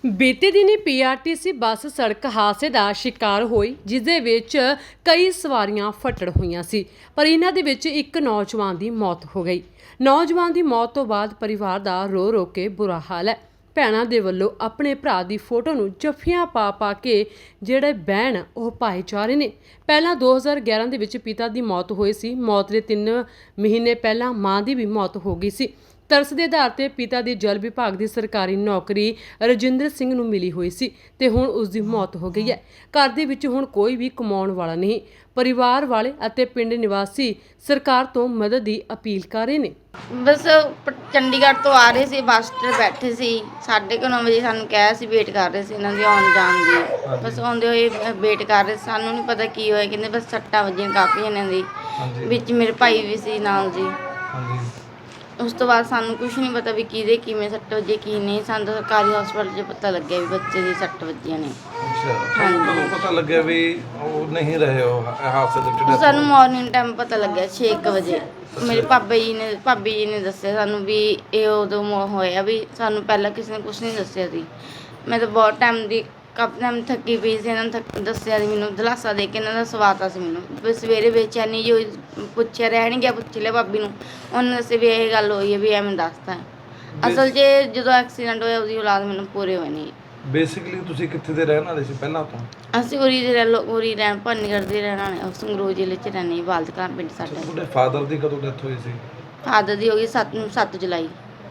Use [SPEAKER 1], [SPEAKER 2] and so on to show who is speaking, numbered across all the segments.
[SPEAKER 1] ਬੀਤੇ ਦਿਨੀ PRTC bus ਸੜਕ ਹਾਦਸੇ ਦਾ ਸ਼ਿਕਾਰ ਹੋਈ, ਜਿਸ ਦੇ ਵਿੱਚ ਕਈ ਸਵਾਰੀਆਂ ਫੱਟੜ ਹੋਈਆਂ ਸੀ। ਪਰ ਇਹਨਾਂ ਦੇ ਵਿੱਚ ਇੱਕ ਨੌਜਵਾਨ ਦੀ ਮੌਤ ਹੋ ਗਈ। ਨੌਜਵਾਨ ਦੀ ਮੌਤ ਤੋਂ ਬਾਅਦ ਪਰਿਵਾਰ ਦਾ ਰੋ ਰੋ ਕੇ ਬੁਰਾ ਹਾਲ ਹੈ। ਭੈਣਾਂ ਦੇ ਵੱਲੋਂ ਆਪਣੇ ਭਰਾ ਦੀ ਫੋਟੋ ਨੂੰ ਜੱਫੀਆਂ ਪਾ ਕੇ ਜਿਹੜੇ ਬਹਿਣ ਉਹ ਪਾਏ ਜਾ ਰਹੇ ਨੇ। ਪਹਿਲਾਂ 2011 ਦੇ ਵਿੱਚ ਪਿਤਾ ਦੀ ਮੌਤ ਹੋਈ ਸੀ। ਮੌਤ ਦੇ 3 ਮਹੀਨੇ ਪਹਿਲਾਂ ਮਾਂ ਦੀ ਵੀ ਮੌਤ ਹੋ ਗਈ ਸੀ। ਤਰਸ ਦੇ ਆਧਾਰ ਤੇ ਪਿਤਾ ਦੀ ਜਲ ਵਿਭਾਗ ਦੀ ਸਰਕਾਰੀ ਨੌਕਰੀ ਰਜਿੰਦਰ ਸਿੰਘ ਨੂੰ ਮਿਲੀ ਹੋਈ ਸੀ ਤੇ ਹੁਣ ਉਸ ਦੀ ਮੌਤ ਹੋ ਗਈ ਹੈ। ਘਰ ਦੇ ਵਿੱਚ ਹੁਣ ਕੋਈ ਵੀ ਕਮਾਉਣ ਵਾਲਾ ਨਹੀਂ। ਪਰਿਵਾਰ ਵਾਲੇ ਅਤੇ ਪਿੰਡ ਨਿਵਾਸੀ ਸਰਕਾਰ ਤੋਂ ਮਦਦ ਦੀ ਅਪੀਲ ਕਰ ਰਹੇ ਨੇ।
[SPEAKER 2] ਬਸ ਚੰਡੀਗੜ੍ਹ ਤੋਂ ਆ ਰਹੇ ਸੀ, ਬੱਸ ਤੇ ਬੈਠੇ ਸੀ, 9:30 ਵਜੇ ਸਾਨੂੰ ਕਿਹਾ ਸੀ, ਵੇਟ ਕਰ ਰਹੇ ਸੀ ਇਹਨਾਂ ਦੀ ਆਉਣ ਜਾਣ ਦੀ। ਬਸ ਆਉਂਦੇ ਹੋਏ ਵੇਟ ਕਰ ਰਹੇ, ਸਾਨੂੰ ਨਹੀਂ ਪਤਾ ਕੀ ਹੋਇਆ। ਕਹਿੰਦੇ ਬਸ ਸੱਟਾਂ ਵੱਜੀਆਂ ਕਾਫੀ ਇਹਨਾਂ ਦੀ, ਵਿੱਚ ਮੇਰੇ ਭਾਈ ਵੀ ਸੀ ਨਾਲ ਜੀ। ਉਸ ਤੋਂ ਬਾਅਦ ਸਾਨੂੰ ਕੁਝ ਨਹੀਂ ਪਤਾ ਵੀ ਕਿਹਦੇ ਕਿਵੇਂ ਸੱਟ ਵੱਜੀ ਕੀ ਨਹੀਂ। ਸਾਨੂੰ ਸਰਕਾਰੀ ਹਸਪਤਾਲ 'ਚ ਪਤਾ ਲੱਗਿਆ ਵੀ ਬੱਚੇ ਦੀ ਸੱਟ ਵੱਜੀਆਂ ਨੇ।
[SPEAKER 3] ਹਾਂਜੀ, ਪਤਾ ਲੱਗਿਆ ਵੀ ਉਹ ਨਹੀਂ ਰਹੇ ਉਹ ਹਾਦਸੇ ਦੇ ਵਿੱਚ।
[SPEAKER 2] ਸਾਨੂੰ ਮਾਰਨਿੰਗ ਟਾਈਮ ਪਤਾ ਲੱਗਿਆ 6 ਵਜੇ। ਮੇਰੇ ਭਾਬੀ ਜੀ ਨੇ ਦੱਸਿਆ ਸਾਨੂੰ ਵੀ ਇਹ ਉਦੋਂ ਹੋਇਆ ਵੀ ਸਾਨੂੰ ਪਹਿਲਾਂ ਕਿਸੇ ਨੇ ਕੁਝ ਨਹੀਂ ਦੱਸਿਆ ਸੀ। ਮੈਂ ਤਾਂ ਬਹੁਤ ਕਾਫੀ ਟਾਈਮ ਥੱਕੀ ਪਈ ਸੀ। ਇਹਨਾਂ ਨੇ ਦੱਸਿਆ ਸੀ ਮੈਨੂੰ, ਦਿਲਾਸਾ ਦੇ ਕੇ ਇਹਨਾਂ ਦਾ ਸਵਾਤਾ ਸੀ ਮੈਨੂੰ। ਫਿਰ ਸਵੇਰੇ ਬੇਚੈਨੀ ਜੋ ਪੁੱਛਿਆ ਰਹਿ ਨਹੀਂ ਗਿਆ, ਪੁੱਛ ਲਿਆ ਭਾਬੀ ਨੂੰ, ਉਹਨੇ ਦੱਸਿਆ ਵੀ ਇਹ ਗੱਲ ਹੋਈ ਹੈ ਵੀ ਐਵੇਂ ਦੱਸਤਾ। ਅਸਲ 'ਚ ਜਦੋਂ ਐਕਸੀਡੈਂਟ ਹੋਇਆ ਉਹਦੀ ਔਲਾਦ ਮੈਨੂੰ ਪੂਰੇ ਹੋਏ ਨਹੀਂ।
[SPEAKER 3] ਬੇਸਿਕਲੀ ਤੁਸੀਂ ਕਿੱਥੇ ਦੇ ਰਹਿਣ ਵਾਲੇ ਸੀ ਪਹਿਲਾਂ ਤੋਂ?
[SPEAKER 2] ਅਸੀਂ ਉਰੀ ਰਹਿਣ ਭੰਨਗੜ੍ਹ ਦੇ ਰਹਿਣ ਵਾਲੇ, ਸੰਗਰੂਰ ਜ਼ਿਲ੍ਹੇ 'ਚ ਰਹਿੰਦੇ, ਬਾਲਦ ਕਲਾਂ ਪਿੰਡ ਸਾਡਾ।
[SPEAKER 3] ਤੁਹਾਡੇ ਫਾਦਰ ਦੀ ਕਦੋਂ ਡੈਥ ਹੋਈ ਸੀ?
[SPEAKER 2] ਫਾਦਰ ਦੀ ਹੋ ਗਈ 7 ਜੁਲਾਈ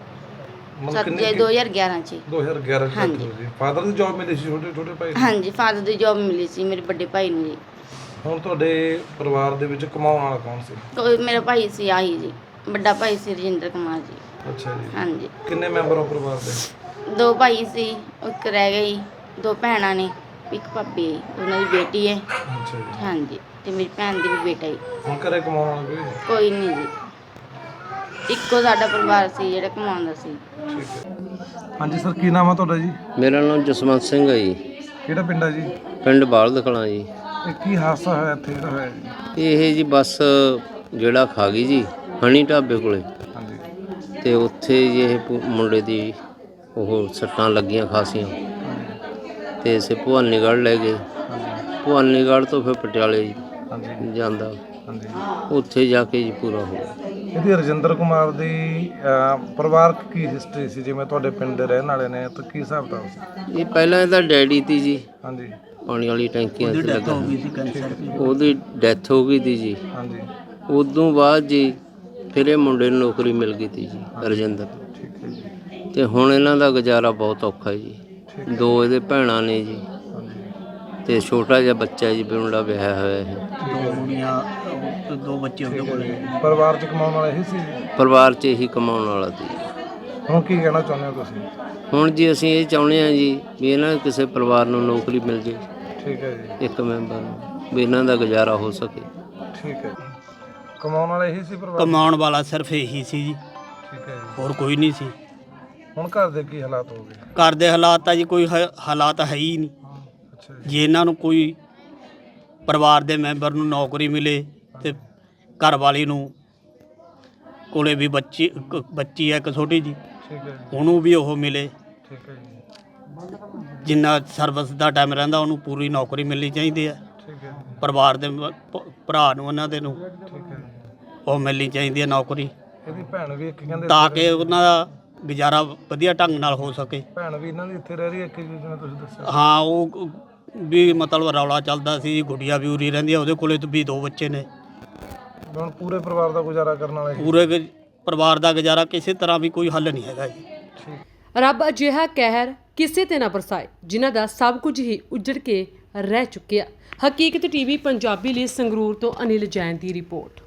[SPEAKER 2] 2011 'ਚ।
[SPEAKER 3] 2011 ਚ ਹੋਈ ਸੀ। ਫਾਦਰ ਦੀ ਜੌਬ ਮਿਲੀ ਸੀ ਛੋਟੇ ਭਾਈ ਨੂੰ?
[SPEAKER 2] ਹਾਂਜੀ, ਫਾਦਰ ਦੀ ਜੌਬ ਮਿਲੀ ਸੀ ਮੇਰੇ ਵੱਡੇ ਭਾਈ ਨੂੰ ਜੀ।
[SPEAKER 3] ਹੁਣ ਤੁਹਾਡੇ ਪਰਿਵਾਰ ਦੇ ਵਿੱਚ ਕਮਾਉਣ ਵਾਲਾ ਕੌਣ ਸੀ?
[SPEAKER 2] ਮੇਰਾ ਭਾਈ ਸੀ ਆਹੀ ਜੀ, ਵੱਡਾ ਭਾਈ ਸੀ ਰਜਿੰਦਰ ਕੁਮਾਰ ਜੀ।
[SPEAKER 3] ਅੱਛਾ ਜੀ।
[SPEAKER 2] ਹਾਂਜੀ।
[SPEAKER 3] ਕਿੰਨੇ ਮੈਂਬਰ ਹੋ ਪਰਿਵਾਰ ਦੇ?
[SPEAKER 2] 2 ਭਾਈ ਸੀ, ਇੱਕ ਰਹਿ ਗਈ, 2 ਭੈਣਾਂ ਨੇ, ਇੱਕ ਭਾਬੀ ਹੈ, ਉਹਨਾਂ ਦੀ ਬੇਟੀ ਹੈ।
[SPEAKER 3] ਅੱਛਾ ਜੀ।
[SPEAKER 2] ਹਾਂਜੀ, ਤੇ ਮੇਰੀ ਭੈਣ ਦੀ ਵੀ ਬੇਟਾ ਹੈ।
[SPEAKER 3] ਹੁਣ ਘਰੇ ਕਮਾਉਣ ਵਾਲਾ
[SPEAKER 2] ਕੋਈ ਨਹੀਂ ਜੀ, ਇੱਕੋ ਸਾਡਾ ਪਰਿਵਾਰ ਸੀ ਜਿਹੜਾ ਕਮਾਉਂਦਾ ਸੀ।
[SPEAKER 3] ਠੀਕ ਹੈ। ਹਾਂਜੀ ਸਰ, ਕੀ ਨਾਮ ਆ ਤੁਹਾਡਾ ਜੀ?
[SPEAKER 4] ਮੇਰਾ ਨਾਮ ਜਸਵੰਤ ਸਿੰਘ ਹੈ ਜੀ।
[SPEAKER 3] ਕਿਹੜਾ ਪਿੰਡ ਆ ਜੀ?
[SPEAKER 4] ਪਿੰਡ ਬਾਲਦ ਕਲਾਂ ਜੀ।
[SPEAKER 3] ਇਹ ਕੀ ਹਾਦਸਾ ਹੋਇਆ ਇੱਥੇ ਜਿਹੜਾ ਹੋਇਆ ਜੀ?
[SPEAKER 4] ਇਹ ਜੀ ਬੱਸ ਜਿਹੜਾ ਖਾ ਗਈ ਜੀ ਹਣੀ ਢਾਬੇ ਕੋਲੇ,
[SPEAKER 3] ਹਾਂਜੀ।
[SPEAKER 4] ਤੇ ਉੱਥੇ ਜੀ ਇਹ ਮੁੰਡੇ ਦੀ ਉਹ ਸੱਟਾਂ ਲੱਗੀਆਂ ਖਾਸੀਆਂ, ਤੇ ਇਸੇ ਭਵਾਨੀਗੜ੍ਹ ਲੈ ਗਏ। ਭਵਾਨੀਗੜ੍ਹ ਤੋਂ ਫਿਰ ਪਟਿਆਲੇ ਜਾਂਦਾ, ਉੱਥੇ ਜਾ ਕੇ ਜੀ ਪੂਰਾ ਹੋ ਗਿਆ।
[SPEAKER 3] ਇਹਦੀ ਰਜਿੰਦਰ ਕੁਮਾਰ ਦੀ ਪਰਿਵਾਰਕ ਕੀ ਹਿਸਟਰੀ ਸੀ? ਜਿਵੇਂ ਤੁਹਾਡੇ ਪਿੰਡ ਦੇ ਰਹਿਣ ਵਾਲੇ ਨੇ ਤਾਂ ਕੀ ਹਿਸਾਬ ਕਿਤਾਬ ਸੀ?
[SPEAKER 4] ਇਹ ਪਹਿਲਾਂ ਇਹਦਾ ਡੈਡੀ ਤੀ ਜੀ,
[SPEAKER 3] ਹਾਂਜੀ,
[SPEAKER 4] ਪਾਣੀ ਵਾਲੀ ਟੈਂਕੀਆਂ 'ਚ ਲੱਗਾ, ਉਹਦੀ ਡੈਥ ਹੋ ਗਈ ਤੀ ਜੀ।
[SPEAKER 3] ਹਾਂਜੀ।
[SPEAKER 4] ਉਦੋਂ ਬਾਅਦ ਜੀ ਫਿਰ ਇਹ ਮੁੰਡੇ ਨੂੰ ਨੌਕਰੀ ਮਿਲ ਗਈ ਤੀ ਜੀ, ਰਜਿੰਦਰ।
[SPEAKER 3] ਠੀਕ ਹੈ ਜੀ।
[SPEAKER 4] ਤੇ ਹੁਣ ਇਹਨਾਂ ਦਾ ਗੁਜ਼ਾਰਾ ਬਹੁਤ ਔਖਾ ਜੀ। 2 ਇਹਦੇ ਭੈਣਾਂ ਨੇ ਜੀ, ਤੇ ਛੋਟਾ ਜਿਹਾ ਬੱਚਾ ਜੀ, ਮੁੰਡਾ ਵਿਆਹਿਆ ਹੋਇਆ ਹੈ।
[SPEAKER 5] 2 ਬੱਚੇ ਉਹਦੇ ਕੋਲ।
[SPEAKER 3] ਪਰਿਵਾਰ 'ਚ ਕਮਾਉਣ ਵਾਲਾ ਇਹੀ ਸੀ?
[SPEAKER 4] ਪਰਿਵਾਰ 'ਚ ਇਹੀ ਕਮਾਉਣ ਵਾਲਾ ਸੀ।
[SPEAKER 3] ਹੁਣ ਕੀ ਕਹਿਣਾ ਚਾਹੁੰਦੇ ਹੋ ਤੁਸੀਂ?
[SPEAKER 4] ਹੁਣ ਜੀ ਅਸੀਂ ਇਹ ਚਾਹੁੰਦੇ ਹਾਂ ਜੀ ਵੀ ਇਹਨਾਂ ਕਿਸੇ ਪਰਿਵਾਰ ਨੂੰ ਨੌਕਰੀ ਮਿਲ ਜੇ,
[SPEAKER 3] ਠੀਕ ਹੈ ਜੀ,
[SPEAKER 4] ਇੱਕ ਮੈਂਬਰ ਨੂੰ, ਵੀ ਇਹਨਾਂ ਦਾ ਗੁਜ਼ਾਰਾ ਹੋ ਸਕੇ।
[SPEAKER 3] ਠੀਕ ਹੈ ਜੀ। ਕਮਾਉਣ ਵਾਲਾ ਇਹੀ ਸੀ ਪਰਿਵਾਰ?
[SPEAKER 5] ਕਮਾਉਣ ਵਾਲਾ ਸਿਰਫ ਇਹੀ ਸੀ ਜੀ,
[SPEAKER 3] ਠੀਕ ਹੈ ਜੀ।
[SPEAKER 5] ਹੋਰ ਕੋਈ ਨਹੀਂ ਸੀ।
[SPEAKER 3] ਹੁਣ ਘਰ ਦੇ ਕੀ ਹਾਲਾਤ ਹੋ ਗਏ?
[SPEAKER 5] ਘਰ ਦੇ ਹਾਲਾਤ ਤਾਂ ਜੀ ਕੋਈ ਹਾਲਾਤ ਹੈ ਹੀ ਨਹੀਂ।
[SPEAKER 3] ਅੱਛਾ ਜੀ।
[SPEAKER 5] ਜੇ ਇਹਨਾਂ ਨੂੰ ਕੋਈ ਪਰਿਵਾਰ ਦੇ ਮੈਂਬਰ ਨੂੰ ਨੌਕਰੀ ਮਿਲੇ ਤੇ ਘਰ ਵਾਲੀ ਨੂੰ ਕੋਲੇ ਵੀ ਬੱਚੀ ਹੈ ਇੱਕ ਛੋਟੀ ਜੀ,
[SPEAKER 3] ਠੀਕ ਹੈ ਜੀ।
[SPEAKER 5] ਉਹਨੂੰ ਵੀ ਉਹ ਮਿਲੇ।
[SPEAKER 3] ਠੀਕ ਹੈ ਜੀ।
[SPEAKER 5] ਜਿੰਨਾ ਸਰਵਿਸ ਦਾ ਟਾਈਮ ਰਹਿੰਦਾ ਉਹਨੂੰ ਪੂਰੀ ਨੌਕਰੀ ਮਿਲਣੀ ਚਾਹੀਦੀ ਹੈ।
[SPEAKER 3] ਠੀਕ ਹੈ ਜੀ।
[SPEAKER 5] ਪਰਿਵਾਰ ਦੇ ਭਰਾ ਨੂੰ ਉਹਨਾਂ ਦੇ ਨੂੰ
[SPEAKER 3] ਠੀਕ ਹੈ ਜੀ।
[SPEAKER 5] ਉਹ ਮਿਲਣੀ ਚਾਹੀਦੀ ਹੈ ਨੌਕਰੀ,
[SPEAKER 3] ਇਹਦੀ ਭੈਣ ਵੀ ਇੱਕ ਕਹਿੰਦੇ
[SPEAKER 5] ਤਾਂ ਕਿ ਉਹਨਾਂ ਦਾ ਗੁਜ਼ਾਰਾ ਵਧੀਆ ਢੰਗ ਨਾਲ ਹੋ ਸਕੇ।
[SPEAKER 3] ਭੈਣ ਵੀ ਇਹਨਾਂ ਦੀ ਇੱਥੇ ਰਹਿ ਰਹੀ ਹੈ, ਜਿਵੇਂ ਤੁਸੀਂ ਦੱਸਿਆ?
[SPEAKER 5] ਹਾਂ, ਉਹ ਵੀ ਮਤਲਬ ਰੌਲਾ ਚੱਲਦਾ ਸੀ, ਗੁੱਡੀਆ ਵੀ ਉਰੀ ਰਹਿੰਦੀ ਆ, ਉਹਦੇ ਕੋਲੇ ਵੀ 2 ਬੱਚੇ ਨੇ।
[SPEAKER 3] ਹੁਣ ਪੂਰੇ ਪਰਿਵਾਰ ਦਾ ਗੁਜ਼ਾਰਾ ਕਰਨ ਵਾਲਾ
[SPEAKER 5] ਪੂਰੇ ਪਰਿਵਾਰ ਦਾ ਗੁਜ਼ਾਰਾ ਕਿਸੇ ਤਰ੍ਹਾਂ ਵੀ ਕੋਈ ਹੱਲ ਨਹੀਂ ਹੈਗਾ ਜੀ।
[SPEAKER 1] ਰੱਬ ਅਜਿਹਾ ਕਹਿਰ ਕਿਸੇ ਤੇ ਨਾ ਬਰਸਾਏ ਜਿਨ੍ਹਾਂ ਦਾ ਸਭ ਕੁਝ ਹੀ ਉੱਜੜ ਕੇ ਰਹਿ ਚੁੱਕਿਆ। ਹਕੀਕਤ ਟੀਵੀ ਪੰਜਾਬੀ ਲਈ ਸੰਗਰੂਰ ਤੋਂ ਅਨਿਲ ਜੈਨ ਦੀ ਰਿਪੋਰਟ।